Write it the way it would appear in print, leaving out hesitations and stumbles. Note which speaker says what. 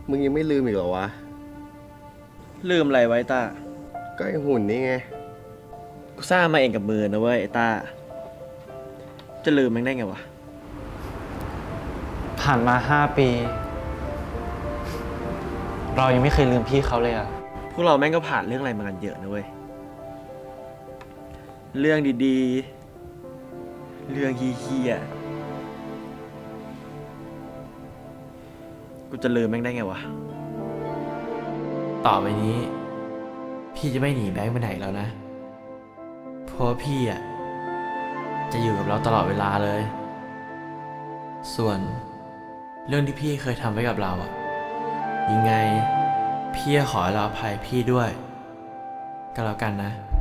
Speaker 1: มึงยังไม่ลืมอีกเหรอวะ
Speaker 2: ลืมอะไรไว้ต้า
Speaker 1: ก็ไอหุ่นนี่ไง
Speaker 2: กูสร้างมาเองกับมือนะเว้ยไอ้ต้า จะลืมมันได้ไงวะ
Speaker 3: ผ่านมา5 ปี เรายังไม่เคยลืมพี่เขาเลยอะ
Speaker 2: พวกเราแม่งก็ผ่านเรื่องอะไรมากันเยอะนะเว้ย เรื่องดีๆ เรื่องเฮี้ยๆ กูจะลืมแม่งได้ไงวะ
Speaker 4: ต่อไปนี้ พี่จะไม่หนีแบงค์ไปไหนแล้วนะ เพราะว่าพี่อ่ะจะอยู่กับเราตลอดเวลาเลย ส่วนเรื่องที่พี่เคยทำไว้กับเราอ่ะ ยังไงพี่ขอให้เราอภัยพี่ด้วยก็แล้วกันนะ